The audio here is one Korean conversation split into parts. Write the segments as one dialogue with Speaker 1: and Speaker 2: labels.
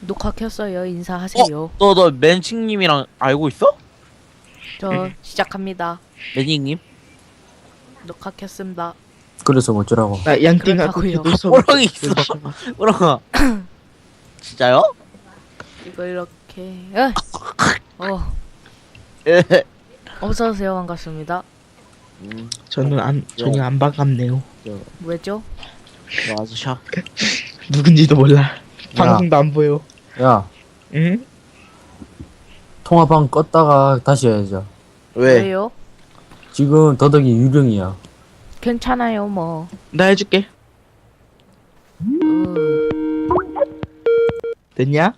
Speaker 1: 녹화 켰어요. 인사하세요.
Speaker 2: 너 맨칭님이랑 알고 있어?
Speaker 1: 저 시작합니다.
Speaker 2: 매닝님?
Speaker 1: 녹화 켰습니다.
Speaker 3: 그래서 어쩌라고.
Speaker 4: 나 양띵하고
Speaker 1: 그렇다고요.
Speaker 4: 교도소
Speaker 2: 호랑이 있어. 호랑아. 진짜요?
Speaker 1: 이거 이렇게. 어,
Speaker 2: 예.
Speaker 1: 어서 오세요. 반갑습니다.
Speaker 4: 전혀 안 반갑네요.
Speaker 1: 왜죠?
Speaker 2: 아주 샤.
Speaker 4: 누군지도 몰라. 방송도 안 보여.
Speaker 3: 야,
Speaker 4: 응?
Speaker 3: 통화방 껐다가 다시 해야죠.
Speaker 2: 왜?
Speaker 1: 왜요?
Speaker 3: 지금 더덕이 유령이야.
Speaker 1: 괜찮아요. 뭐.
Speaker 4: 나 해줄게.
Speaker 1: 으,
Speaker 4: 됐냐?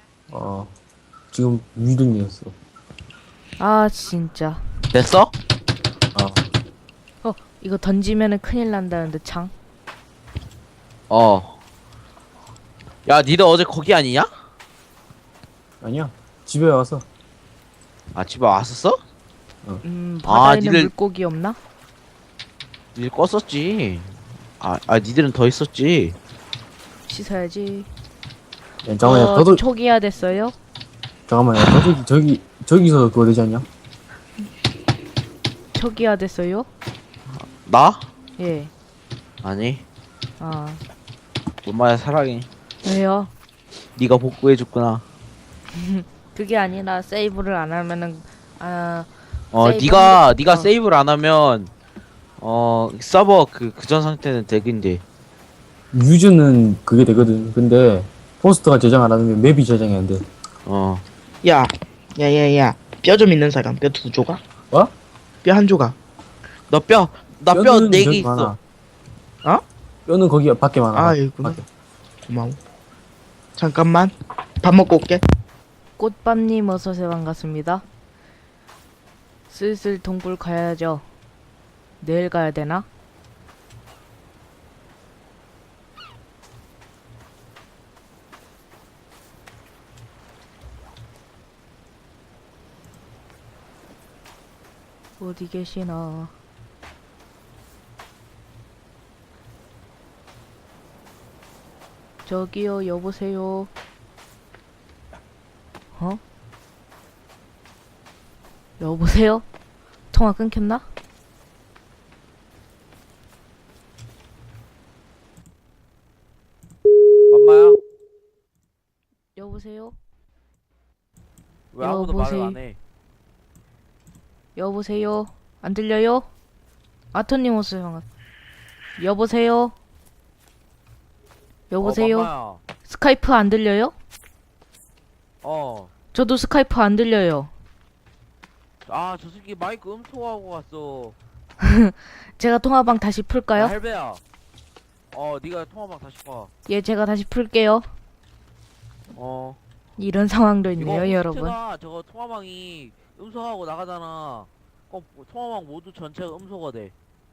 Speaker 3: 지금 유령이었어.
Speaker 1: 아 진짜.
Speaker 2: 됐어?
Speaker 1: 이거 던지면은 큰일 난다는데 창.
Speaker 2: 야, 니들 어제 거기 아니냐?
Speaker 3: 아니야. 집에 와서.
Speaker 2: 아, 집에 왔었어?
Speaker 1: 바다에는
Speaker 2: 니들-
Speaker 1: 물고기 없나?
Speaker 2: 니들 껐었지. 니들은 더 있었지.
Speaker 1: 씻어야지.
Speaker 3: 야, 잠깐만, 야, 더덕,
Speaker 1: 초기화 됐어요?
Speaker 3: 잠깐만, 야, 더덕이 저기서 그거 되지 않냐?
Speaker 1: 초기화 됐어요?
Speaker 2: 나?
Speaker 1: 예.
Speaker 2: 아니.
Speaker 1: 아
Speaker 2: 엄마야 사랑해.
Speaker 1: 왜요?
Speaker 2: 니가 복구해줬구나.
Speaker 1: 그게 아니라 세이브를 안 하면은 세이브
Speaker 2: 니가
Speaker 1: 어.
Speaker 2: 세이브를 안 하면 서버 그전 상태는 되긴데.
Speaker 3: 유저는 그게 되거든. 근데 포스터가 저장 안 하면 맵이 저장이 안 돼.
Speaker 4: 야. 뼈 좀 있는 사람. 뼈 2조각?
Speaker 3: 뭐?
Speaker 4: 뼈 1조각.
Speaker 2: 나 뼈
Speaker 3: 뼈는
Speaker 2: 4개
Speaker 3: 저기
Speaker 2: 있어.
Speaker 3: 많아.
Speaker 4: 어?
Speaker 3: 뼈는 거기 밖에 많아.
Speaker 4: 아, 여기구나.
Speaker 3: 밖에.
Speaker 4: 고마워. 잠깐만. 밥 먹고 올게.
Speaker 1: 꽃밤님 어서오세요. 반갑습니다. 슬슬 동굴 가야죠. 내일 가야 되나? 어디 계시나? 저기요, 여보세요. 여보세요? 통화 끊겼나?
Speaker 2: 맘마야?
Speaker 1: 여보세요?
Speaker 2: 왜 아무도 말을
Speaker 1: 여보세요?
Speaker 2: 안 해?
Speaker 1: 여보세요? 안 들려요? 아토님 오세요. 여보세요? 여보세요?
Speaker 2: 맘마야.
Speaker 1: 스카이프 안 들려요?
Speaker 2: 어.
Speaker 1: 저도 스카이프 안 들려요.
Speaker 2: 저 새끼 마이크 음소하고 갔어.
Speaker 1: 제가 통화방 다시
Speaker 2: 야,
Speaker 1: 풀까요?
Speaker 2: 할배야. 네가 통화방 다시 봐.
Speaker 1: 예, 제가 다시 풀게요. 이런 상황도 있네요,
Speaker 2: 이거
Speaker 1: 여러분.
Speaker 2: 호스트가 저거 통화방이 음소하고 나가잖아. 통화방 모두 전체가 음소가 돼.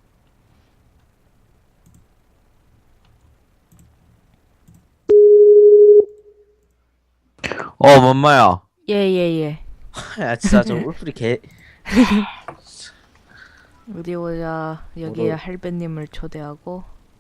Speaker 2: 맘마야.
Speaker 1: 예, 예, 예.
Speaker 2: 야, 진짜 저 울프리 개.
Speaker 1: 어디 보자. 여기에
Speaker 2: 뭐를-
Speaker 1: 할배님을 초대하고.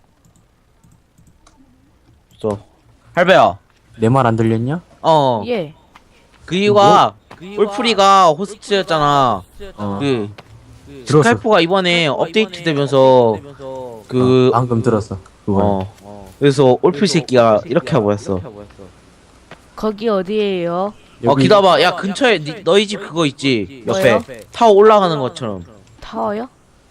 Speaker 2: 할배야.
Speaker 3: 내 말 안 들렸냐?
Speaker 1: 예.
Speaker 2: 그 이유가 울프리가 호스트였잖아. 그
Speaker 3: 들었어.
Speaker 2: 스카이프가 이번에 업데이트 되면서
Speaker 3: 방금 들었어. 그거.
Speaker 2: 그래서 울프리 새끼가 이렇게 하고 했어.
Speaker 1: 거기 어디에요?
Speaker 2: 기다봐. 야, 근처에 너희 집 그거 있지? 옆에
Speaker 1: 뭐요?
Speaker 2: 타워 올라가는 것처럼.
Speaker 1: 타워요?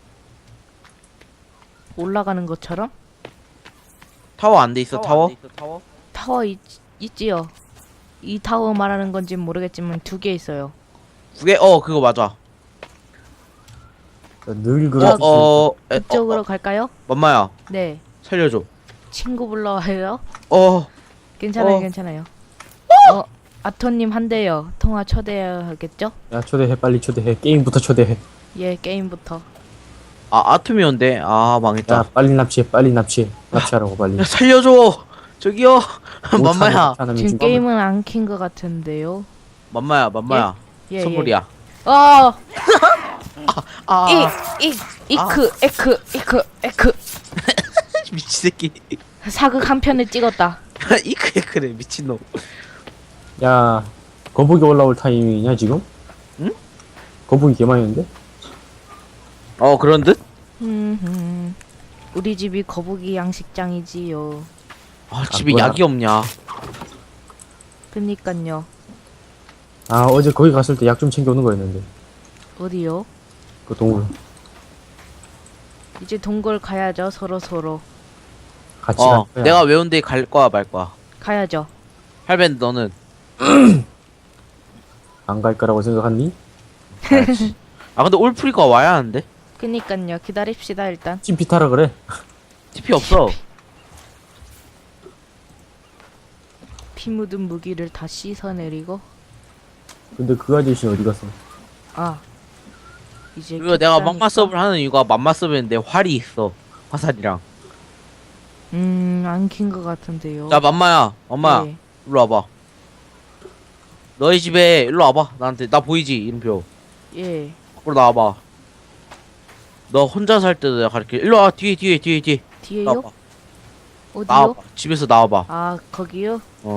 Speaker 1: 올라가는 것처럼?
Speaker 2: 타워 안 돼 있어? 타워?
Speaker 1: 타워 있지요. 이 타워 말하는 건지 모르겠지만 2개 있어요.
Speaker 2: 두 개? 그거 맞아.
Speaker 3: 늘 그렇지.
Speaker 1: 이쪽으로 갈까요?
Speaker 2: 맘마야,
Speaker 1: 네.
Speaker 2: 살려줘.
Speaker 1: 친구 불러와요.
Speaker 2: 어,
Speaker 1: 괜찮아요,
Speaker 2: 어.
Speaker 1: 괜찮아요. 아토님 한대요. 통화 초대해야겠죠?
Speaker 3: 야, 초대해. 빨리 초대해. 게임부터 초대해.
Speaker 1: 예, 게임부터.
Speaker 2: 아톰이 온대. 망했다.
Speaker 3: 야, 빨리 납치해. 빨리 납치해. 납치하라고 빨리.
Speaker 2: 야, 살려줘. 저기요.
Speaker 3: 못
Speaker 2: 맘마야,
Speaker 3: 참으면
Speaker 1: 지금
Speaker 3: 지금
Speaker 1: 게임은 안 킨 것 같은데요.
Speaker 2: 맘마야.
Speaker 1: 예,
Speaker 2: 선물이야.
Speaker 1: 이크.
Speaker 2: 미친 새끼.
Speaker 1: 사극 한 편을 찍었다.
Speaker 2: 이크에 그래 미친놈.
Speaker 3: 야, 거북이 올라올 타이밍이냐, 지금?
Speaker 2: 응?
Speaker 3: 거북이 개 많이 있는데?
Speaker 2: 그런 듯?
Speaker 1: 우리 집이 거북이 양식장이지요.
Speaker 2: 아, 집에
Speaker 3: 뭐야.
Speaker 2: 약이 없냐.
Speaker 1: 그니깐요.
Speaker 3: 아, 어제 거기 갔을 때 약 좀 챙겨오는 거였는데.
Speaker 1: 어디요?
Speaker 3: 그 동물.
Speaker 1: 이제 동굴 가야죠. 서로
Speaker 3: 같이 갈 거야.
Speaker 2: 내가 외운 데 갈 거야, 말 거야.
Speaker 1: 가야죠.
Speaker 2: 할벤, 너는?
Speaker 3: 안 갈 거라고 생각하니?
Speaker 2: 아, 근데 올프리가 와야 하는데?
Speaker 1: 그니깐요. 기다립시다 일단.
Speaker 3: 찜피 타라 그래.
Speaker 2: TP 없어.
Speaker 1: 피 묻은 무기를 다 씻어내리고.
Speaker 3: 근데 그 아저씨는 어디 갔어?
Speaker 1: 아. 이제
Speaker 2: 그리고 내가
Speaker 1: 켰다니까.
Speaker 2: 맘마 서브를 하는 이유가 맘마 서브인데 활이 있어. 화살이랑.
Speaker 1: 안 킨 것 같은데요.
Speaker 2: 자, 맘마야. 엄마야.
Speaker 1: 네.
Speaker 2: 일로 와봐. 너희 집에 일로 와봐. 나한테. 나 보이지? 이름표.
Speaker 1: 예.
Speaker 2: 앞으로 나와봐. 너 혼자 살 때도 내가 가르쳐. 일로 와. 뒤에.
Speaker 1: 뒤에요?
Speaker 2: 나와봐.
Speaker 1: 어디요?
Speaker 2: 나와봐. 집에서 나와봐.
Speaker 1: 아, 거기요?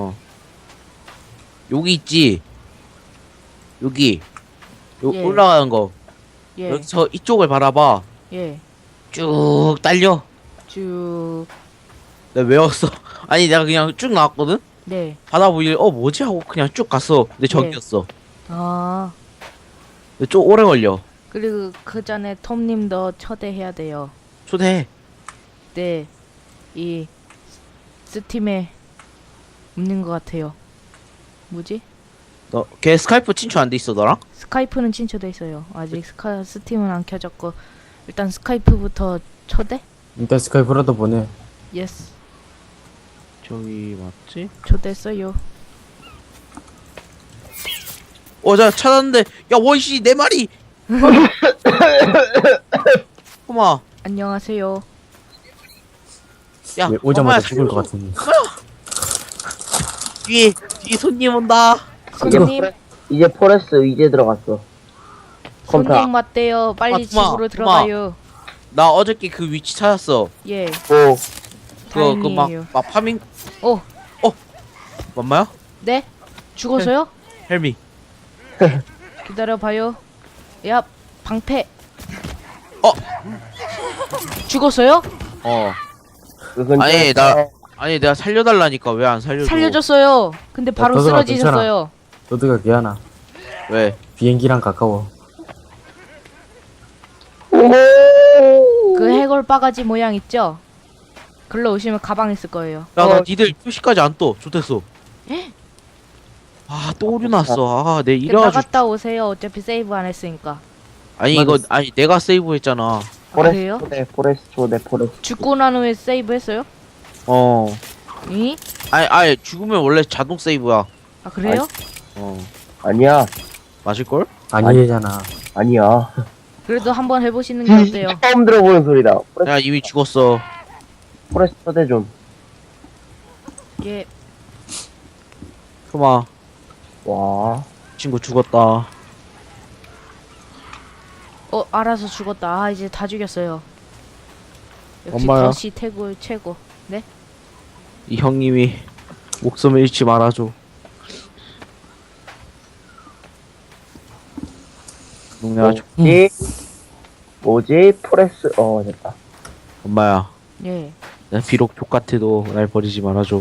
Speaker 2: 여기 있지? 여기.
Speaker 1: 예.
Speaker 2: 올라가는 거.
Speaker 1: 예.
Speaker 2: 여기서 이쪽을 바라봐.
Speaker 1: 예.
Speaker 2: 쭉 딸려.
Speaker 1: 쭉.
Speaker 2: 내가 외웠어. 아니, 내가 그냥 쭉 나왔거든?
Speaker 1: 네.
Speaker 2: 바다 보이길래, 뭐지? 하고 그냥 쭉 갔어. 근데 저기였어.
Speaker 1: 아.
Speaker 2: 근데 좀 오래 걸려.
Speaker 1: 그리고 그 전에 톰님도 초대해야 돼요.
Speaker 2: 초대해.
Speaker 1: 네. 이 스팀에 없는 것 같아요. 뭐지?
Speaker 2: 걔 스카이프 친추 안 돼 있어, 너랑?
Speaker 1: 스카이프는 친초돼 있어요. 아직 스팀은 안 켜졌고 일단 스카이프부터 초대?
Speaker 3: 일단 스카이프라도 보내.
Speaker 1: 예스.
Speaker 2: 저기, 맞지?
Speaker 1: 초대했어요.
Speaker 2: 자, 찾았는데, 야, 원씨, 내 말이! 어마,
Speaker 1: 안녕하세요.
Speaker 2: 야,
Speaker 3: 왜 오자마자
Speaker 2: 엄마야,
Speaker 3: 죽을 것
Speaker 2: 살려줘.
Speaker 3: 같은데.
Speaker 2: 뒤에 손님 온다.
Speaker 1: 손님,
Speaker 5: 이제 포레스트 이제 들어갔어. 컴퓨터.
Speaker 1: 손님 맞대요. 빨리
Speaker 2: 토마,
Speaker 1: 집으로
Speaker 2: 토마.
Speaker 1: 들어가요.
Speaker 2: 나 어저께 그 위치 찾았어.
Speaker 1: 예.
Speaker 5: 오,
Speaker 1: 다행이에요.
Speaker 2: 막 파밍,
Speaker 1: 오,
Speaker 2: 맞마야?
Speaker 1: 네? 죽었어요?
Speaker 2: 헬미.
Speaker 1: 기다려봐요. 야, 방패.
Speaker 2: 어.
Speaker 1: 죽었어요?
Speaker 5: 그 근처에
Speaker 2: 아니, 아니, 내가 살려달라니까 왜 안 살려줘?
Speaker 1: 살려줬어요. 근데 바로
Speaker 3: 너들아,
Speaker 1: 쓰러지셨어요.
Speaker 3: 너드가 개하나.
Speaker 2: 왜?
Speaker 3: 비행기랑 가까워.
Speaker 1: 그 해골 바가지 모양 있죠? 글로 오시면 가방 있을 거예요.
Speaker 2: 야, 나 니들 표시까지 안 떠. 좋댔어. 아, 또 오류 났어. 아, 내 이래가지고.
Speaker 1: 나갔다 오세요. 어차피 세이브 안 했으니까.
Speaker 2: 아니, 이거, 아니, 내가 세이브 했잖아.
Speaker 1: 그래요?
Speaker 5: 포레스트 초대 포레스트.
Speaker 1: 죽고 난 후에 세이브 했어요?
Speaker 2: 어.
Speaker 1: 이?
Speaker 2: 아니, 죽으면 원래 자동 세이브야.
Speaker 1: 아, 그래요?
Speaker 5: 아니야,
Speaker 2: 맞을걸?
Speaker 3: 아니잖아.
Speaker 5: 아니야.
Speaker 1: 그래도 한번 해보시는 게 어때요?
Speaker 5: 처음 들어보는 소리다.
Speaker 2: 야, 이미 죽었어.
Speaker 5: 포레스트 초대 좀.
Speaker 1: 예.
Speaker 2: 소마,
Speaker 5: 와,
Speaker 2: 친구 죽었다.
Speaker 1: 알아서 죽었다. 아, 이제 다 죽였어요. 역시
Speaker 2: 엄마야.
Speaker 1: 더시 최고. 네?
Speaker 2: 이 형님이 목숨을 잃지 말아줘. 내가
Speaker 5: 뭐지? 포레스트, 됐다.
Speaker 2: 엄마야,
Speaker 1: 예.
Speaker 2: 나 비록 족같아도 날 버리지 말아줘.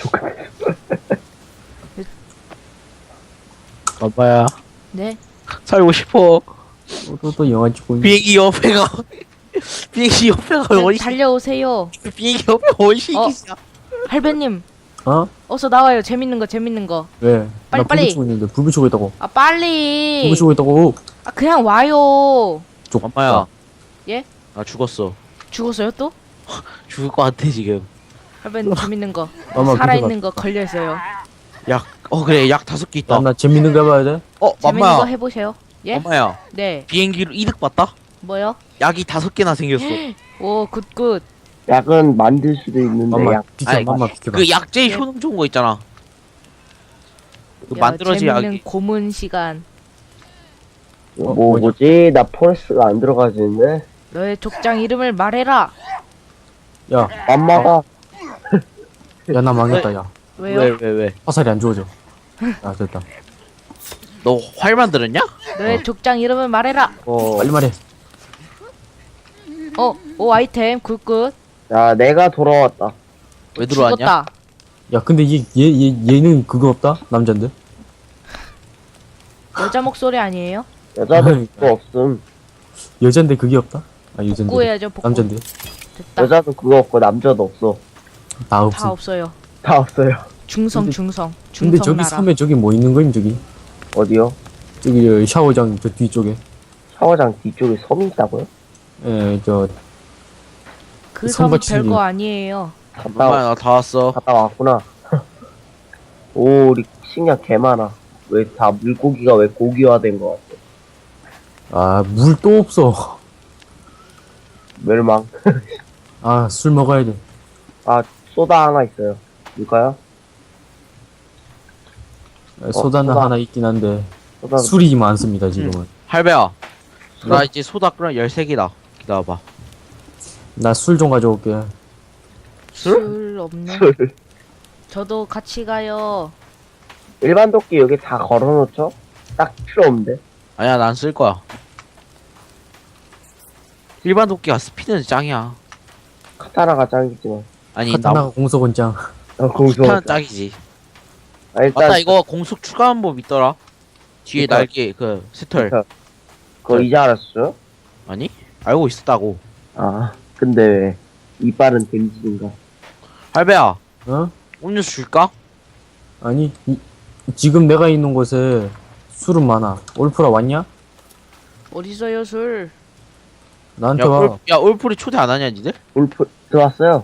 Speaker 2: 엄마야,
Speaker 1: 네?
Speaker 2: 살고 싶어.
Speaker 3: 또 영화 찍고 있는.
Speaker 2: 비행기 옆에가 비행기 옆에가
Speaker 1: 네,
Speaker 2: 원시.
Speaker 1: 달려오세요.
Speaker 2: 비행기 옆에 원시이야.
Speaker 1: 할배님,
Speaker 3: 어?
Speaker 1: 어서 나와요. 재밌는 거.
Speaker 3: 왜?
Speaker 1: 빨리,
Speaker 3: 나
Speaker 1: 빨리.
Speaker 3: 불 붙이고 있는데 불 붙이고 있다고.
Speaker 1: 아, 빨리.
Speaker 3: 불 붙이고 있다고.
Speaker 1: 아, 그냥 와요.
Speaker 3: 쪽.
Speaker 2: 엄마야.
Speaker 1: 예?
Speaker 2: 나 죽었어.
Speaker 1: 죽었어요 또?
Speaker 2: 죽을 것 같아 지금.
Speaker 1: 할배님 재밌는 거.
Speaker 3: 엄마
Speaker 1: 살아있는 거 걸려있어요.
Speaker 2: 약. 그래 약 5개 있다.
Speaker 3: 나 재밌는 거 해봐야 돼.
Speaker 1: 재밌는 거
Speaker 2: 엄마야.
Speaker 1: 해보세요. 예?
Speaker 2: 엄마야.
Speaker 1: 네.
Speaker 2: 비행기로 이득 봤다?
Speaker 1: 뭐요?
Speaker 2: 약이 5개나 생겼어.
Speaker 1: 오, 굿.
Speaker 5: 약은 만들 수도 있는데,
Speaker 3: 엄마
Speaker 5: 약.
Speaker 3: 비켜.
Speaker 2: 아니,
Speaker 3: 엄마 비켜봐.
Speaker 2: 그 약 제일
Speaker 1: 예.
Speaker 2: 효능 좋은 거 있잖아. 그
Speaker 1: 야,
Speaker 2: 만들어진
Speaker 1: 재밌는
Speaker 2: 약이.
Speaker 1: 고문 시간.
Speaker 5: 뭐지? 나 포레스트가 안 들어가지는데?
Speaker 1: 너의 족장 이름을 말해라.
Speaker 3: 야,
Speaker 5: 엄마가,
Speaker 3: 야 나 망했다. 야,
Speaker 1: 왜요?
Speaker 2: 왜?
Speaker 3: 화살이 안 주어져. 아 됐다.
Speaker 2: 너 활 만들었냐?
Speaker 1: 너의 족장 이름을 말해라.
Speaker 3: 빨리 말해.
Speaker 1: 오 아이템 굿굿.
Speaker 5: 야, 내가 돌아왔다.
Speaker 2: 왜 들어왔냐?
Speaker 1: 죽었다.
Speaker 3: 야 근데 얘는 그거 없다? 남잔데?
Speaker 1: 여자 목소리 아니에요?
Speaker 5: 여자도 그거 없음.
Speaker 3: 여잔데 그게 없다? 아 여잔데.
Speaker 1: 복구해야죠 복구.
Speaker 3: 남잔데.
Speaker 1: 됐다.
Speaker 5: 여자도 그거 없고 남자도 없어.
Speaker 3: 다 없어.
Speaker 1: 다 없어요.
Speaker 5: 다 없어요.
Speaker 1: 중성
Speaker 3: 근데-
Speaker 1: 중성
Speaker 3: 근데
Speaker 1: 중성
Speaker 3: 저기
Speaker 1: 나라.
Speaker 3: 섬에 저기 뭐 있는 거임 저기?
Speaker 5: 어디요?
Speaker 3: 저기 샤워장 저 뒤쪽에.
Speaker 5: 샤워장 뒤쪽에 섬이 있다고요?
Speaker 3: 저
Speaker 1: 그 섬
Speaker 3: 선받치는
Speaker 1: 별거 아니에요.
Speaker 2: 엄마야 나 다 왔어.
Speaker 5: 갔다 왔구나. 오, 우리 식량 개 많아. 왜 다 물고기가 왜 고기화된 거 같아?
Speaker 3: 물 또 없어.
Speaker 5: 멸망.
Speaker 3: 술 먹어야 돼.
Speaker 5: 소다 하나 있어요. 이거요?
Speaker 3: 소다는
Speaker 5: 소다.
Speaker 3: 하나 있긴 한데
Speaker 5: 소다.
Speaker 3: 술이 많습니다 지금은.
Speaker 2: 할배야. 나 이제 소다 끓여 13개다. 기다려봐.
Speaker 3: 나 술 좀 가져올게.
Speaker 1: 술 없네.
Speaker 5: 술.
Speaker 1: 저도 같이 가요.
Speaker 5: 일반 도끼 여기 다 걸어놓죠? 딱 필요 없는데.
Speaker 2: 아니야 난 쓸 거야. 일반 도끼가 스피드는 짱이야.
Speaker 5: 카타나가 짱이지만.
Speaker 2: 아니
Speaker 3: 카타나가
Speaker 2: 나
Speaker 3: 공속은 짱.
Speaker 5: 공수.
Speaker 2: 스피드는 짱이지.
Speaker 5: 일단
Speaker 2: 맞다 이거 공속 추가한 법 있더라. 뒤에
Speaker 5: 그니까.
Speaker 2: 날개 그 스털.
Speaker 5: 그거 이제 알았어요?
Speaker 2: 아니? 알고 있었다고.
Speaker 5: 근데 왜 이빨은 댐지인가?
Speaker 2: 할배야
Speaker 3: 어?
Speaker 2: 음료수 줄까?
Speaker 3: 아니 지금 내가 있는 곳에 술은 많아. 올프라 왔냐?
Speaker 1: 어디서요 술?
Speaker 3: 나한테 와.
Speaker 2: 야 올풀이 초대 안 하냐 니들?
Speaker 5: 울프 들어왔어요?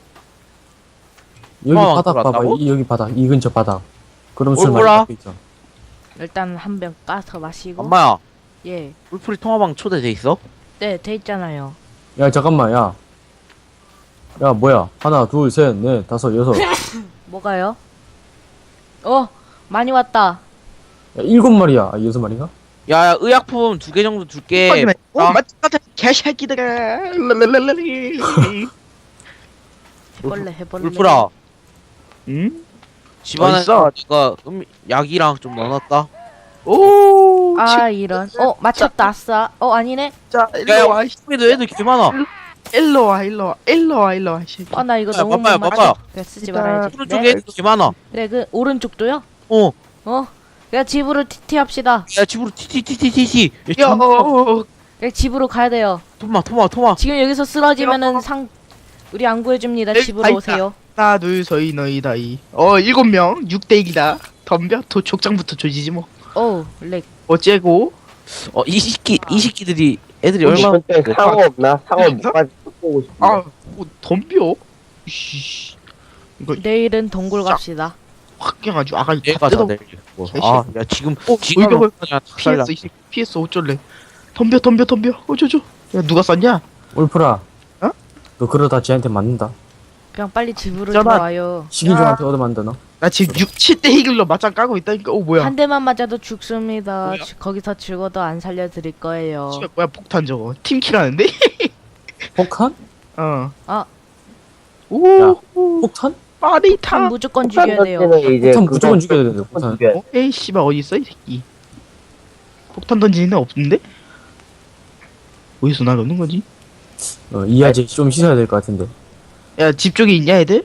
Speaker 3: 여기
Speaker 2: 어,
Speaker 3: 바닥 봐봐.
Speaker 2: 들어왔다고?
Speaker 3: 여기 바닥. 이 근처 바닥. 그럼 술 많이
Speaker 2: 올프라?
Speaker 3: 갖고 있어.
Speaker 1: 일단 한 병 까서 마시고.
Speaker 2: 엄마야
Speaker 1: 예.
Speaker 2: 올풀이 통화방 초대돼 있어?
Speaker 1: 네, 돼 있잖아요.
Speaker 3: 야 잠깐만 야. 야 뭐야? 하나 둘 셋 넷 다섯 여섯. 야
Speaker 1: 뭐가요? 많이 왔다.
Speaker 3: 7마리야. 6마리가?
Speaker 2: 야 의약품 2개 정도 줄게. 아.
Speaker 4: 맞다 개새끼들아.
Speaker 1: 해볼래 해볼래.
Speaker 2: 울프라
Speaker 4: 응?
Speaker 2: 집안에
Speaker 4: 어딨어?
Speaker 2: 내가 약이랑 좀 넣어놨다.
Speaker 4: 오.
Speaker 1: 아 이런. 맞췄다 아싸. 아니네.
Speaker 4: 자
Speaker 2: 야
Speaker 4: 일로 와.
Speaker 2: 우리도 애들 개 많아.
Speaker 4: 일로 와 일로 와 일로 와 일로 와. 이 새끼.
Speaker 1: 나 이거
Speaker 2: 야,
Speaker 1: 너무
Speaker 2: 봐봐요,
Speaker 1: 못
Speaker 2: 봐봐요.
Speaker 1: 맞춰. 그래 쓰지 말아야지.
Speaker 2: 오른쪽에
Speaker 1: 네?
Speaker 2: 애들 개 많아.
Speaker 1: 그래 그 오른쪽도요?
Speaker 2: 어.
Speaker 1: 그냥 집으로 TT 합시다.
Speaker 2: 야 집으로 티티티티티티.
Speaker 4: 야.
Speaker 1: 그냥 집으로 가야 돼요.
Speaker 2: 토마.
Speaker 1: 지금 여기서 쓰러지면은 우리 안 구해줍니다.
Speaker 4: 에이,
Speaker 1: 집으로
Speaker 4: 아이다.
Speaker 1: 오세요.
Speaker 4: 하나 둘 서이 너희 다이. 7명 6대1이다. 덤벼. 족장부터 조지지 뭐.
Speaker 1: 렉.
Speaker 4: 어째고?
Speaker 2: 이 새끼들이 애들이 얼마나
Speaker 5: 근데 상어 없나? 상어 뭐까지 보고 싶은데.
Speaker 4: 덤벼. 이씨. 이거
Speaker 1: 내일은 동굴 갑시다.
Speaker 4: 확 깨가지고 아가리
Speaker 2: 내가
Speaker 4: 뜯어.
Speaker 2: 다 내리고. 야 지금
Speaker 4: 물병을
Speaker 2: 그냥
Speaker 4: 피했어. 이 새끼 피했어. 어쩔래? 덤벼. 어쩌죠? 야 누가 쐈냐?
Speaker 3: 올프라.
Speaker 4: 어?
Speaker 3: 너 그러다 쟤한테 맞는다.
Speaker 1: 그냥 빨리 집으로
Speaker 4: 있잖아.
Speaker 1: 들어와요.
Speaker 3: 식인종한테 얻어맞는다 너.
Speaker 4: 나 지금 7대1로 맞짱 까고 있다니까. 뭐야?
Speaker 1: 한 대만 맞아도 죽습니다.
Speaker 4: 뭐야?
Speaker 1: 거기서 죽어도 안 살려드릴 거예요.
Speaker 4: 씨발, 뭐야 폭탄 저거. 팀킬하는데?
Speaker 3: 폭탄?
Speaker 4: 어.
Speaker 1: 아.
Speaker 4: 오.
Speaker 3: 폭탄?
Speaker 1: 폭탄
Speaker 4: 빠리타.
Speaker 1: 무조건 죽여야 돼요.
Speaker 5: 던지는 이제
Speaker 3: 폭탄
Speaker 5: 그거
Speaker 3: 무조건 죽여야 되는데
Speaker 5: 무조건
Speaker 3: 폭탄.
Speaker 5: 죽여야 돼.
Speaker 4: 에이 씨발 어디 있어 이 새끼. 폭탄 던지는 애 없는데? 어디서 날오는 거지?
Speaker 3: 이 아재 좀 씻어야 될 것 같은데.
Speaker 4: 야 집 쪽에 있냐 애들?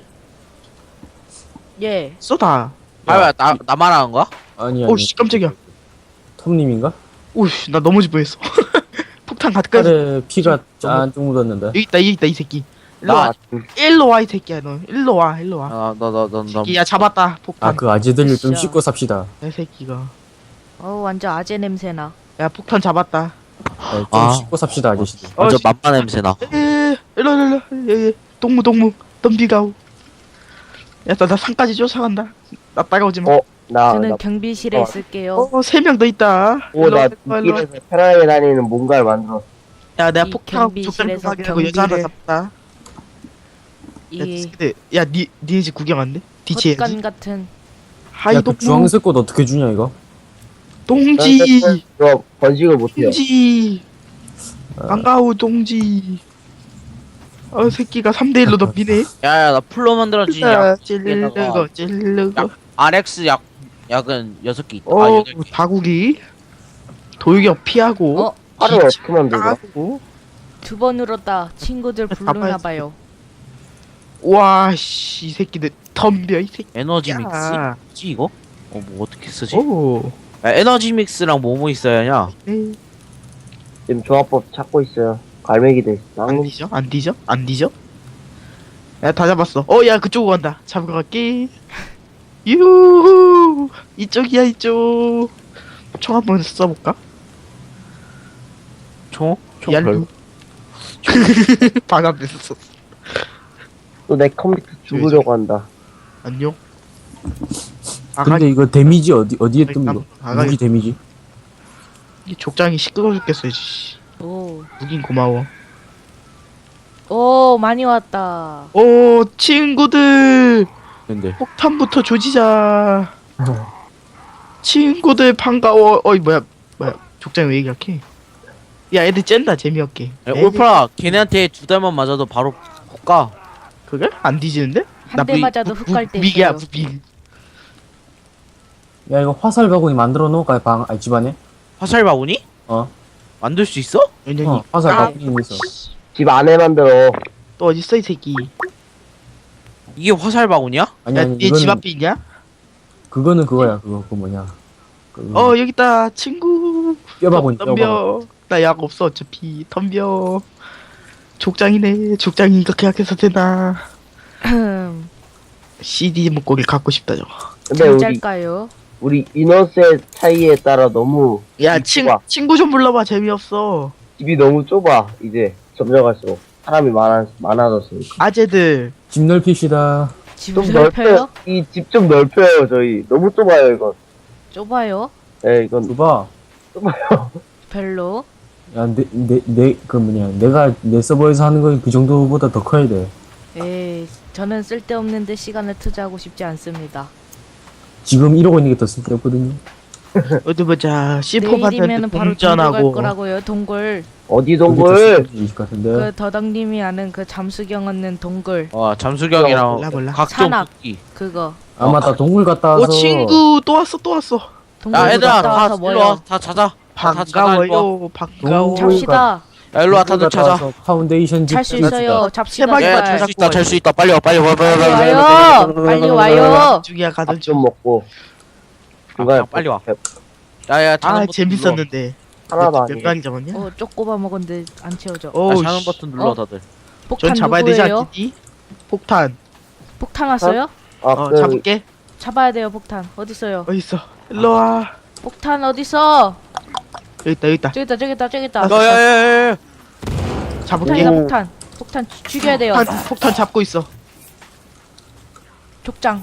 Speaker 1: 예.
Speaker 4: 쏘다.
Speaker 2: 아야 나 말하는 거야?
Speaker 3: 아니.
Speaker 4: 오씨 깜짝이야.
Speaker 3: 톰님인가?
Speaker 4: 오씨 나 넘어질 뻔했어. 폭탄 가득
Speaker 3: 팔에 피가 짠 묻었는데.
Speaker 4: 여기 있다 이 새끼.
Speaker 2: 나
Speaker 4: 일로 와 이 새끼야 너. 일로 와.
Speaker 2: 나
Speaker 4: 새끼야 잡았다 폭탄.
Speaker 3: 그 아재들 좀
Speaker 1: 진짜.
Speaker 3: 씻고 삽시다.
Speaker 4: 이 새끼가.
Speaker 1: 완전 아재 냄새나.
Speaker 4: 야 폭탄 잡았다.
Speaker 3: 좀
Speaker 2: 아.
Speaker 3: 씻고 삽시다 아저씨들.
Speaker 2: 완전
Speaker 4: 씨.
Speaker 2: 맘마 냄새나.
Speaker 4: 일로. 동무 덤비가오. 야나 산까지 쫓아간다. 나 따라오지 마.
Speaker 1: 저는 경비실에 있을게요.
Speaker 4: 3명 더 있다.
Speaker 5: 나
Speaker 4: 일로.
Speaker 5: 길에서 편하게 다니는 뭔가를 만들었어.
Speaker 4: 야 내가
Speaker 1: 이
Speaker 4: 폭탄
Speaker 1: 경비실에서
Speaker 4: 족장하고 여자 하나
Speaker 1: 경비를-
Speaker 4: 잡다. 야
Speaker 1: 이
Speaker 4: 새끼들 야 니네 집 구경 안 돼? 뒤치
Speaker 1: 헛간
Speaker 4: 해야지.
Speaker 1: 같은.
Speaker 4: 하이
Speaker 3: 야그
Speaker 4: 동무
Speaker 3: 주황색 꽃 어떻게 주냐 이거?
Speaker 4: 동지
Speaker 5: 이거 번식을 못해요.
Speaker 4: 동지 반가워 동지. 새끼가 3대1로 덤비네.
Speaker 2: 야야 나 풀로 만들어진 약.
Speaker 4: 찔르고
Speaker 2: RX 약 약은 6개 있다. 아,
Speaker 4: 어
Speaker 2: 8개.
Speaker 4: 다구기 돌격 피하고
Speaker 1: 어?
Speaker 5: 팔을 어떻게 만들어?
Speaker 4: 까고.
Speaker 1: 두 번 울었다. 친구들 부르나봐요.
Speaker 4: 와씨 이 새끼들 덤벼 이 새끼.
Speaker 2: 에너지
Speaker 4: 야.
Speaker 2: 믹스? 뭐지 이거? 뭐 어떻게 쓰지?
Speaker 4: 오.
Speaker 2: 야, 에너지 믹스랑 뭐뭐 있어야 하냐?
Speaker 4: 네.
Speaker 5: 지금 조합법 찾고 있어요. 갈매기 돼.
Speaker 4: 안
Speaker 5: 낭
Speaker 4: 뒤져? 안 뒤져? 안 뒤져? 야 다 잡았어. 야 그쪽으로 간다. 잡으러 갈게. 유후 이쪽이야 이쪽. 총 한번 써볼까?
Speaker 2: 총? 총
Speaker 4: 얄루.
Speaker 2: 별로.
Speaker 4: 반합에서 썼어.
Speaker 5: 또내 컴퓨터 죽으려고 한다.
Speaker 4: 안녕.
Speaker 3: 근데 이거 데미지 어디에 뜹니까?
Speaker 4: 아가리.
Speaker 3: 무기 데미지?
Speaker 4: 이 족장이 시끄러워 죽겠어. 씨.
Speaker 1: 오.
Speaker 4: 무긴 고마워.
Speaker 1: 오, 많이 왔다.
Speaker 4: 오 친구들
Speaker 2: 근데
Speaker 4: 폭탄부터 조지자. 친구들 반가워. 어이 뭐야 족장이 왜 이렇게? 야 애들 쨘다 재미없게.
Speaker 2: 야, 올파라 걔네한테 2달만 맞아도 바로 훅가.
Speaker 4: 그게 안 뒤지는데?
Speaker 1: 한 대 맞아도 훅 갈 때
Speaker 4: 무비기야
Speaker 1: 있어요.
Speaker 4: 무비.
Speaker 3: 야 이거 화살 바구니 만들어 놓을까 집안에?
Speaker 2: 화살 바구니?
Speaker 3: 어.
Speaker 2: 만들 수 있어?
Speaker 4: 연연이.
Speaker 3: 화살
Speaker 1: 아.
Speaker 3: 바구니 있어.
Speaker 5: 집 안에 만들어.
Speaker 4: 또 어디 있어 이 새끼?
Speaker 2: 이게 화살 바구니야?
Speaker 3: 아니 아니
Speaker 4: 야얘 집
Speaker 3: 이거는
Speaker 4: 앞에 있냐?
Speaker 3: 그거는 그거야. 그거 뭐냐?
Speaker 4: 여기 있다 친구.
Speaker 3: 뼈바구니 뼈바구니.
Speaker 4: 덤벼. 나 약 없어 어차피. 덤벼. 족장이네. 족장이 이렇게 약해서 되나? CD 목걸이 갖고 싶다 저거.
Speaker 5: 근데 우리
Speaker 1: 잠잘까요?
Speaker 5: 우리 인원수의 차이에 따라 너무
Speaker 4: 야
Speaker 5: 집이 좁아.
Speaker 4: 친구 좀 불러봐 재미없어.
Speaker 5: 집이 너무 좁아. 이제 점점 갈수록 사람이 많아졌으니까.
Speaker 4: 아재들.
Speaker 3: 집 넓히시다.
Speaker 1: 집을
Speaker 5: 좀
Speaker 1: 넓혀요?
Speaker 5: 넓혀요. 이 집 좀 넓혀요. 저희 너무 좁아요 이건.
Speaker 1: 좁아요?
Speaker 5: 네 이건
Speaker 3: 봐봐.
Speaker 1: 별로?
Speaker 3: 야, 그 뭐냐, 내가 내 서버에서 하는 건 그 정도보다 더 커야 돼.
Speaker 1: 에이, 저는 쓸데없는데 시간을 투자하고 싶지 않습니다.
Speaker 3: 지금 이러고 있는 게 더 쓸데없거든요.
Speaker 4: 어디 보자. C4
Speaker 1: 내일이면은 바로 동굴 갈
Speaker 4: 동전하고.
Speaker 1: 거라고요. 동굴.
Speaker 5: 어디
Speaker 3: 그게 더
Speaker 5: 동굴?
Speaker 3: 쓸데없을 것 같은데.
Speaker 1: 그 더덕님이 아는 그 잠수경 얻는 동굴.
Speaker 2: 와 잠수경이랑
Speaker 4: 몰라.
Speaker 2: 각종
Speaker 1: 산악.
Speaker 2: 토끼.
Speaker 1: 그거.
Speaker 3: 아, 맞다. 동굴 갔다 와서.
Speaker 4: 친구 또 왔어.
Speaker 1: 동굴
Speaker 2: 야 얘들아
Speaker 1: 갔다
Speaker 2: 다
Speaker 1: 와서
Speaker 2: 일로
Speaker 1: 뭐요?
Speaker 2: 와다 찾아. 다 찾아 일로 와.
Speaker 4: 반가워.
Speaker 3: 동굴
Speaker 1: 잡시다.
Speaker 2: 야 일로 와
Speaker 3: 동굴
Speaker 2: 다들
Speaker 3: 갔다
Speaker 2: 찾아.
Speaker 3: 와서 파운데이션
Speaker 1: 잘 수
Speaker 3: 집
Speaker 1: 있어요. 잡시다.
Speaker 4: 제발,
Speaker 2: 야
Speaker 1: 제발.
Speaker 2: 잘 수 있다 잘 수 있다 빨리 와 빨리 와 빨리
Speaker 1: 빨리
Speaker 2: 와.
Speaker 1: 와요. 빨리 와요.
Speaker 4: 중이야 가던
Speaker 5: 밥 좀 먹고. 중간에
Speaker 2: 빨리 와.
Speaker 5: 배-
Speaker 2: 야야 자는 버튼
Speaker 4: 재밌었는데.
Speaker 5: 하나도
Speaker 4: 몇
Speaker 5: 아니고.
Speaker 4: 마리 잡았냐?
Speaker 1: 쪼꼬바 먹었는데 안 채워져.
Speaker 2: 눌러.
Speaker 4: 어우
Speaker 2: 자는
Speaker 4: 씨.
Speaker 2: 버튼 눌러
Speaker 1: 어?
Speaker 2: 다들.
Speaker 1: 폭탄
Speaker 4: 전 잡아야 되지
Speaker 1: 누구예요?
Speaker 4: 않겠니? 폭탄.
Speaker 1: 폭탄 왔어요?
Speaker 5: 그
Speaker 4: 잡을게.
Speaker 1: 잡아야 돼요. 폭탄. 어디 있어요?
Speaker 4: 어디 있어? 일로 와.
Speaker 1: 폭탄 어디 있어?
Speaker 4: 여기 있다.
Speaker 1: 저기 있다.
Speaker 2: 야야야야.
Speaker 4: 잡을게.
Speaker 1: 폭탄이다 폭탄. 폭탄 죽여야 돼요.
Speaker 4: 폭탄 잡고 있어.
Speaker 1: 족장.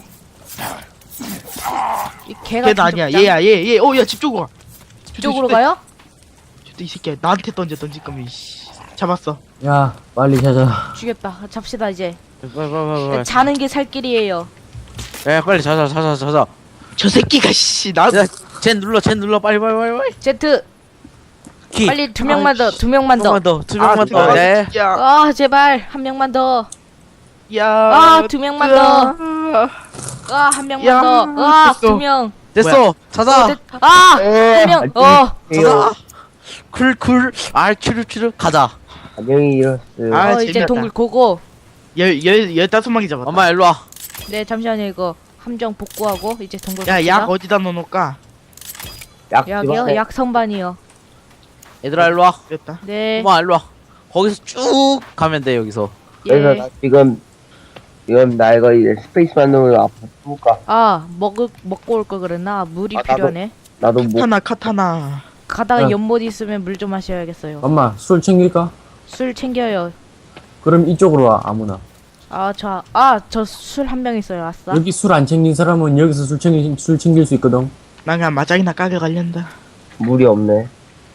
Speaker 1: 이 개가
Speaker 4: 걔는 아니야. 얘야 얘. 야 집 쪽으로 가.
Speaker 1: 쪽으로 가요?
Speaker 4: 이 새끼야 나한테 던질 거면 씨. 잡았어.
Speaker 3: 야, 빨리 찾아.
Speaker 1: 죽였다. 잡시다 이제.
Speaker 2: 빨리.
Speaker 1: 자는 게 살 길이에요.
Speaker 2: 야 빨리 자자.
Speaker 4: 저 새끼가 씨 나.
Speaker 2: 젠 눌러 빨리.
Speaker 1: 제트
Speaker 2: 키.
Speaker 1: 빨리 두 명만 더. 두 명만 더.
Speaker 2: 두 명만 더. 야.
Speaker 4: 야.
Speaker 1: 아 제발 한 명만 더.
Speaker 4: 야.
Speaker 1: 아 두 명만 더.
Speaker 4: 더.
Speaker 1: 아 한 명만
Speaker 4: 야,
Speaker 1: 더. 아
Speaker 4: 됐어.
Speaker 1: 두 명.
Speaker 2: 됐어. 자자.
Speaker 1: 아한 명.
Speaker 2: 자자. 쿨. 큐르 가자.
Speaker 5: 안녕히 이랬어요.
Speaker 4: 아,
Speaker 1: 이제
Speaker 4: 재미없다.
Speaker 1: 동굴 고고.
Speaker 4: 15마리 잡았다.
Speaker 2: 엄마 일로 와.
Speaker 1: 네 잠시만요 이거 함정 복구하고 이제 동굴
Speaker 4: 야,
Speaker 1: 갑시다.
Speaker 4: 약 어디다 넣어놓을까?
Speaker 1: 약이요?
Speaker 5: 집안에
Speaker 1: 약 선반이요.
Speaker 2: 얘들아 일로 와.
Speaker 4: 됐다.
Speaker 1: 네.
Speaker 2: 엄마 일로 와. 거기서 쭉 가면 돼 여기서.
Speaker 5: 그래서
Speaker 1: 예.
Speaker 5: 나 지금 나 이거 이제 스페이스 만드는 거 앞으로 볼까?
Speaker 1: 아 먹고 올 걸 그랬나? 물이
Speaker 5: 아, 나도.
Speaker 1: 필요하네.
Speaker 5: 나도 뭐
Speaker 4: 카타나.
Speaker 1: 가다가
Speaker 3: 야.
Speaker 1: 연못 있으면 물 좀 마셔야겠어요.
Speaker 3: 엄마, 술 챙길까?
Speaker 1: 술 챙겨요.
Speaker 3: 그럼 이쪽으로 와, 아무나.
Speaker 1: 저 술 한 병 있어요. 아싸.
Speaker 3: 여기 술 안 챙긴 사람은 여기서 술 챙길 수 있거든.
Speaker 4: 난 그냥 마장이나 까게 갈련다.
Speaker 5: 물이 없네.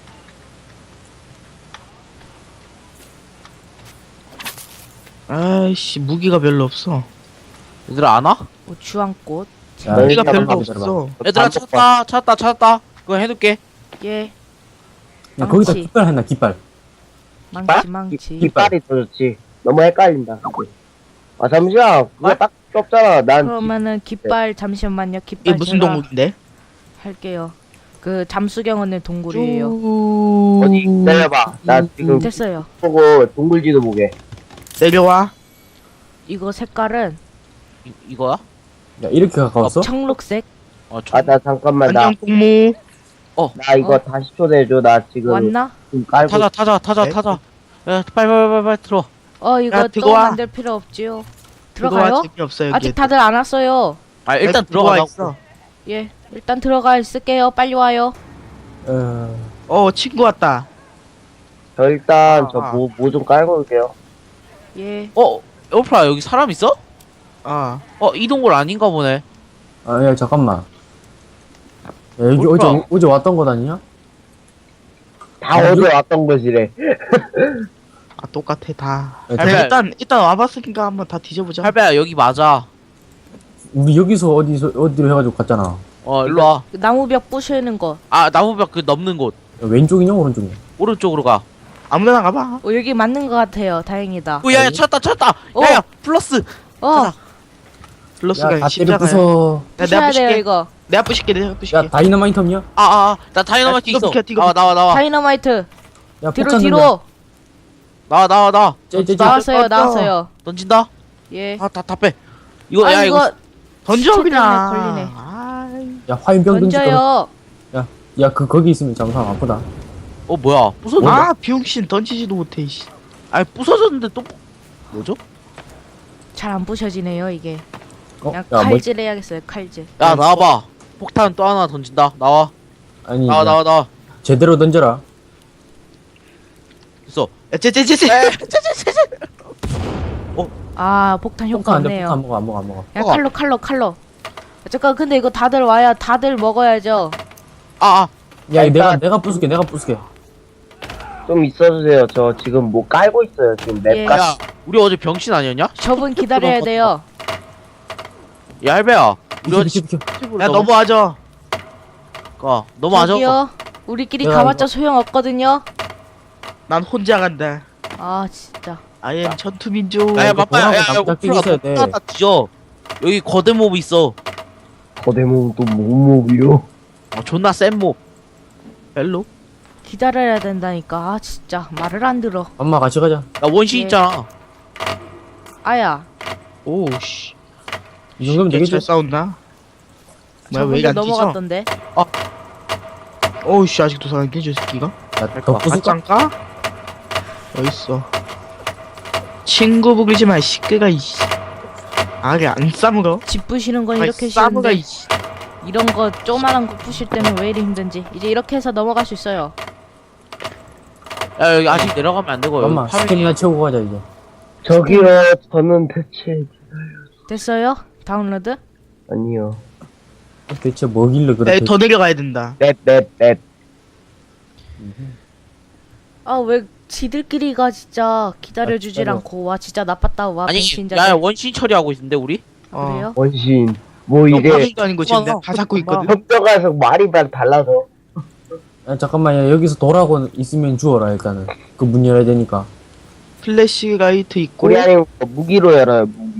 Speaker 4: 아이씨 무기가 별로 없어.
Speaker 2: 얘들아 안 와?
Speaker 1: 주황꽃.
Speaker 3: 야,
Speaker 4: 무기가
Speaker 5: 일단
Speaker 4: 별로
Speaker 5: 한번
Speaker 4: 없어.
Speaker 2: 얘들아 찾았다. 그거 해둘게.
Speaker 1: 예.
Speaker 3: 야, 거기다
Speaker 1: 망치.
Speaker 3: 깃발 했나, 깃발.
Speaker 1: 망치.
Speaker 5: 깃발이 더 좋지. 너무 헷갈린다. 아 잠시만. 그거 딱 없잖아. 난
Speaker 1: 그러면은 깃발 잠시만요.
Speaker 4: 이게
Speaker 1: 깃발
Speaker 4: 무슨
Speaker 1: 제가
Speaker 4: 동물인데?
Speaker 1: 할게요. 그 잠수경 언니 동굴이에요.
Speaker 5: 어디 기다려봐. 나 지금
Speaker 1: 됐어요.
Speaker 5: 보고 동굴지도 보게.
Speaker 4: 내려와.
Speaker 1: 이거 색깔은
Speaker 2: 이거야?
Speaker 3: 야, 이렇게 가까웠어?
Speaker 1: 청록색.
Speaker 5: 아, 나 잠깐만.
Speaker 4: 안녕 꽁무.
Speaker 5: 나 이거
Speaker 1: 어?
Speaker 5: 다시 초대해줘. 나 지금
Speaker 1: 왔나?
Speaker 5: 좀 깔고.
Speaker 4: 네?
Speaker 2: 타자. 야, 빨리 들어.
Speaker 1: 이거
Speaker 4: 야,
Speaker 1: 또
Speaker 4: 들어와.
Speaker 1: 만들 필요 없지요. 들어가요?
Speaker 4: 재미없어 여기.
Speaker 1: 아직 다들 안 왔어요.
Speaker 2: 아, 일단
Speaker 4: 들어와
Speaker 2: 들어가자.
Speaker 4: 있어.
Speaker 1: 예, 일단 들어가 있을게요. 빨리 와요.
Speaker 4: 친구 왔다.
Speaker 5: 저 일단
Speaker 2: 아,
Speaker 5: 저 뭐 좀 깔고 올게요.
Speaker 1: 예.
Speaker 2: 에어프라 여기 사람 있어?
Speaker 4: 아,
Speaker 2: 이 동굴 아닌가 보네.
Speaker 3: 아, 야, 잠깐만. 야, 여기
Speaker 2: 뭘까?
Speaker 3: 어제 왔던 곳 아니냐?
Speaker 5: 다 어제 왔던 것이래.
Speaker 4: 똑같아 다.
Speaker 3: 야,
Speaker 2: 할배.
Speaker 4: 일단 와봤으니까 한번 다 뒤져보자.
Speaker 2: 할배야, 여기 맞아.
Speaker 3: 우리 여기서 어디로 해가지고 갔잖아.
Speaker 2: 일로 와.
Speaker 1: 그 나무벽 부시는 거.
Speaker 2: 아, 나무벽 그 넘는 곳.
Speaker 3: 야, 왼쪽이냐, 오른쪽이냐?
Speaker 2: 오른쪽으로 가.
Speaker 4: 아무데나 가봐.
Speaker 1: 여기 맞는 것 같아요. 다행이다.
Speaker 2: 야, 찾았다.
Speaker 1: 어.
Speaker 2: 야, 플러스.
Speaker 1: 가자.
Speaker 4: 플러스가
Speaker 3: 야, 다 때려
Speaker 4: 십자가야.
Speaker 3: 부숴.
Speaker 1: 부셔야 돼요
Speaker 4: 부실게.
Speaker 1: 이거.
Speaker 4: 내가 부실게.
Speaker 3: 야, 다이너마이트 없냐?
Speaker 2: 나 다이너마이트
Speaker 4: 야,
Speaker 2: 있어.
Speaker 4: 이거 비켜,
Speaker 2: 나와.
Speaker 1: 다이너마이트.
Speaker 3: 야,
Speaker 1: 뒤로
Speaker 3: 폭탄
Speaker 1: 뒤로.
Speaker 2: 나와.
Speaker 1: 나왔어요. 나왔어요.
Speaker 2: 던진다.
Speaker 1: 예.
Speaker 2: 다 빼. 이거, 야, 이거.
Speaker 4: 던져
Speaker 1: 시체
Speaker 4: 그냥.
Speaker 1: 때문에 걸리네.
Speaker 4: 아이,
Speaker 3: 야, 화염병 던지까.
Speaker 1: 던져요.
Speaker 3: 야, 거기 있으면 잠깐 아프다.
Speaker 2: 뭐야. 부서졌네.
Speaker 4: 아 비용신 던지지도 못해. 이씨.
Speaker 2: 아니, 부서졌는데 또. 뭐죠?
Speaker 1: 잘 안 부셔지네요 이게. 그냥
Speaker 3: 야, 뭐,
Speaker 1: 칼질 해야겠어요. 칼질.
Speaker 2: 야, 나와봐. 폭탄 또 하나 던진다. 나와.
Speaker 3: 아니,
Speaker 2: 나와.
Speaker 3: 제대로 던져라.
Speaker 2: 있어.
Speaker 4: 야, 쟤.
Speaker 1: 아 폭탄 효과
Speaker 3: 폭탄 안 돼,
Speaker 1: 없네요.
Speaker 3: 폭탄 안 먹어.
Speaker 1: 야 칼로. 잠깐 근데 이거 다들 와야 다들 먹어야죠.
Speaker 3: 야,
Speaker 5: 일단-
Speaker 3: 내가 부술게.
Speaker 5: 좀 있어주세요. 저 지금 뭐 깔고 있어요. 지금 맵
Speaker 1: 예.
Speaker 5: 깔.
Speaker 2: 야, 우리 어제 병신 아니었냐?
Speaker 1: 저분 기다려야 돼요.
Speaker 2: 야, 할배야. 우리 어제
Speaker 3: 비켜.
Speaker 4: 야 넘어와줘.
Speaker 2: 넘어가죠.
Speaker 1: 저기요. 우리끼리
Speaker 3: 내가
Speaker 1: 가봤자 소용 없거든요.
Speaker 4: 난 혼자 간다.
Speaker 1: 아 진짜.
Speaker 4: I am 전투민족.
Speaker 2: 야,
Speaker 3: 이거
Speaker 2: 바빠야. 야,
Speaker 3: 돌아가고 남자
Speaker 2: 오프라,
Speaker 3: 있어야 돼.
Speaker 2: 다 뒤져. 여기 거대 몹 있어.
Speaker 5: 거대 몸도 몸이요.
Speaker 2: 존나 센 몹.
Speaker 4: 벨로.
Speaker 1: 기다려야 된다니까. 아 진짜 말을 안 들어.
Speaker 3: 엄마 같이 가자.
Speaker 2: 야, 원신
Speaker 1: 예.
Speaker 2: 있잖아.
Speaker 1: 아야.
Speaker 4: 오씨.
Speaker 3: 이 정도면 되겠지?
Speaker 4: 잘 싸운다. 뭐야 왜 이게
Speaker 1: 저분도
Speaker 4: 안 뛰죠?
Speaker 1: 넘어갔던데.
Speaker 4: 오씨 아직도 살아있네 저 새끼가.
Speaker 3: 야, 더 부술까?
Speaker 4: 맞짱까? 어딨어. 친구 부르지 마 시끄가 이씨. 아게 안 싸물어?
Speaker 1: 집 부시는 건
Speaker 4: 아이,
Speaker 1: 이렇게
Speaker 4: 싸물어
Speaker 1: 쉬운데
Speaker 4: 이씨.
Speaker 1: 이런 거 조그만한 거 부실 때는 왜 이리 힘든지. 이제 이렇게 해서 넘어갈 수 있어요.
Speaker 2: 야, 여기 아직 내려가면 안 되고.
Speaker 3: 엄마,
Speaker 2: 여기 파밍.
Speaker 3: 스태미나 채우고 가자, 이제.
Speaker 5: 저기요. 저는 대체
Speaker 1: 됐어요? 다운로드?
Speaker 5: 아니요.
Speaker 3: 대체 뭐길래 그렇게.
Speaker 4: 더 내려가야 된다.
Speaker 5: 맵.
Speaker 1: 아 왜 지들끼리가 진짜 기다려주질
Speaker 3: 아,
Speaker 1: 않고 와 진짜 나빴다 와
Speaker 2: 아니,
Speaker 1: 병신자들.
Speaker 2: 야, 원신 처리하고 있는데, 우리?
Speaker 1: 아, 그래요?
Speaker 5: 원신. 뭐 이게
Speaker 4: 파밍도 아닌 거 지금 내가 다 잡고 있거든.
Speaker 5: 협정가서 말이 달라서.
Speaker 3: 야, 잠깐만, 야, 여기서 돌아고 있으면 주워라, 일단은. 그 문 열어야 되니까.
Speaker 4: 플래시 라이트 있고.
Speaker 5: 우리 아니면 무기로 열어요. 무기.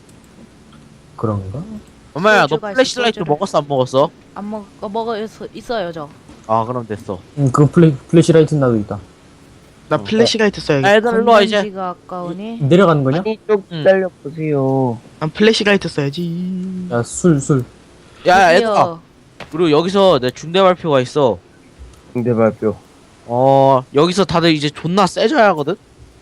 Speaker 3: 그런가?
Speaker 2: 엄마야, 너
Speaker 1: 소주가 있어,
Speaker 2: 플래시라이트
Speaker 1: 소주를.
Speaker 2: 먹었어, 안 먹었어?
Speaker 1: 안 먹어 있어요 저.
Speaker 2: 그럼 됐어.
Speaker 3: 그 플래시라이트 나도 있다.
Speaker 4: 나 플래시 라이트 써야겠다.
Speaker 2: 애들 일로 와, 이제.
Speaker 1: 건전지가 아까우니.
Speaker 3: 내려가는 거냐?
Speaker 5: 아니 좀 기다려보세요.
Speaker 4: 난 플래시 라이트 써야지.
Speaker 3: 야, 술.
Speaker 2: 야,
Speaker 1: 드디어
Speaker 2: 얘들아. 그리고 여기서 내 중대 발표가 있어.
Speaker 5: 중대 발표.
Speaker 2: 여기서 다들 이제 존나 세져야 하거든?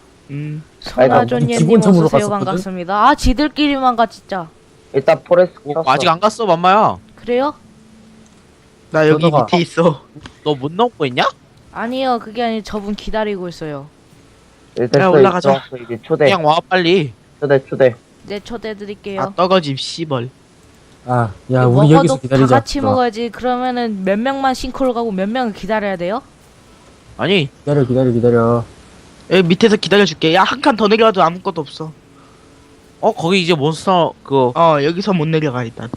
Speaker 1: 선아존님
Speaker 3: 기본점으로
Speaker 1: 어서오세요.
Speaker 3: 갔었거든?
Speaker 1: 반갑습니다. 아 지들끼리만 가 진짜.
Speaker 5: 일단 포레스트 켰어.
Speaker 2: 아직 안 갔어, 맘마야.
Speaker 1: 그래요?
Speaker 4: 나 여기
Speaker 3: 그러다가-
Speaker 4: 밑에 있어.
Speaker 2: 너 못 넘고 있냐?
Speaker 1: 아니요 그게 아니 저분 기다리고 있어요.
Speaker 5: 일단
Speaker 4: 야, 올라가자.
Speaker 5: 이제 초대.
Speaker 2: 그냥 와, 빨리.
Speaker 5: 초대.
Speaker 1: 네 초대해드릴게요.
Speaker 4: 아 떡어짐 씨벌.
Speaker 3: 아, 야,
Speaker 1: 이거
Speaker 3: 우리
Speaker 1: 먹어도
Speaker 3: 여기서 기다리자.
Speaker 1: 다 같이
Speaker 3: 들어와.
Speaker 1: 먹어야지. 그러면은 몇 명만 싱크로 가고 몇 명은 기다려야 돼요?
Speaker 2: 아니,
Speaker 3: 기다려.
Speaker 4: 여기 밑에서 기다려줄게. 야 한 칸 더 내려가도 아무것도 없어.
Speaker 2: 거기 이제 몬스터,
Speaker 4: 여기서 못 내려가 일단.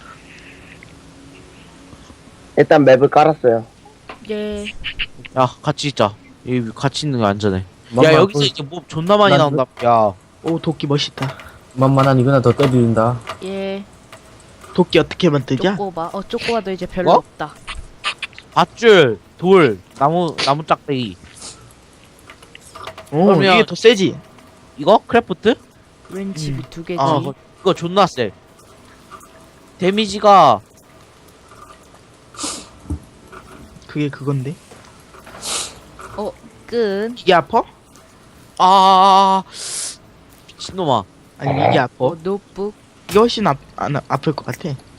Speaker 5: 일단 맵을 깔았어요.
Speaker 1: 예.
Speaker 2: 야, 같이 있자. 여기 같이 있는 거 안전해.
Speaker 3: 맘마,
Speaker 2: 야, 여기서
Speaker 3: 그-
Speaker 2: 이제 몹 존나 많이
Speaker 3: 난
Speaker 2: 나온다. 야,
Speaker 4: 오 도끼 멋있다.
Speaker 3: 만만한 이거나 더 때린다.
Speaker 1: 예.
Speaker 4: 도끼 어떻게 만들냐?
Speaker 1: 쪼꼬바. 쪼꼬바도 이제 별로
Speaker 2: 어?
Speaker 1: 없다.
Speaker 2: 밧줄, 돌, 나무 짝대기.
Speaker 4: 오,
Speaker 2: 그러면-
Speaker 4: 이게 더 세지?
Speaker 2: 이거? 크래프트?
Speaker 1: 왠지 두 개지.
Speaker 4: 아,
Speaker 2: 그거 존나 세. 데미지가
Speaker 4: 그게 그건데?
Speaker 1: 끝.
Speaker 4: 이게 아파?
Speaker 2: 미친놈아.
Speaker 4: 아니, 이게 아파?
Speaker 1: 노트북.
Speaker 4: 이게 훨씬 아플 것 같아.